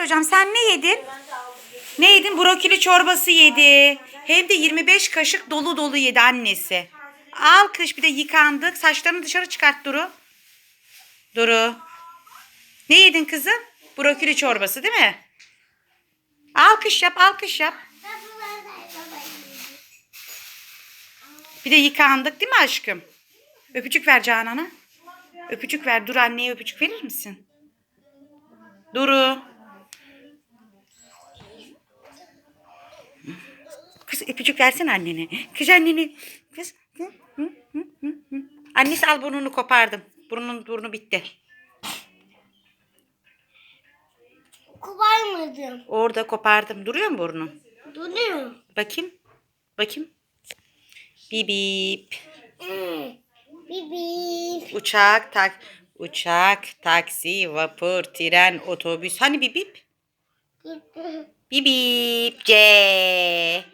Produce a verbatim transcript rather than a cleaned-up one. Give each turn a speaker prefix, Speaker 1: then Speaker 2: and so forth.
Speaker 1: soracağım. Sen ne yedin? Ne yedin? Brokoli çorbası yedi. Hem de yirmi beş kaşık dolu dolu yedi annesi. Alkış, bir de yıkandık. Saçlarını dışarı çıkart Duru. Duru. Ne yedin kızım? Brokoli çorbası değil mi? Alkış yap, alkış yap. Bir de yıkandık değil mi aşkım? Öpücük ver Canan'a. Öpücük ver. Dur, anneye öpücük verir misin? Duru. Kız öpücük versene annene. Kız annene. Kız. Hı, hı, hı, hı, hı. Annesi al, burnunu kopardım. Burnun burnu bitti.
Speaker 2: Koparmadım.
Speaker 1: Orada kopardım. Duruyor mu burnun?
Speaker 2: Duruyor.
Speaker 1: Bakayım. Bakayım. Bip bip.
Speaker 2: Hmm. Bibi.
Speaker 1: Uçak, tak, uçak, taksi, vapur, tren, otobüs. Hani bip bip? Bip bip. C.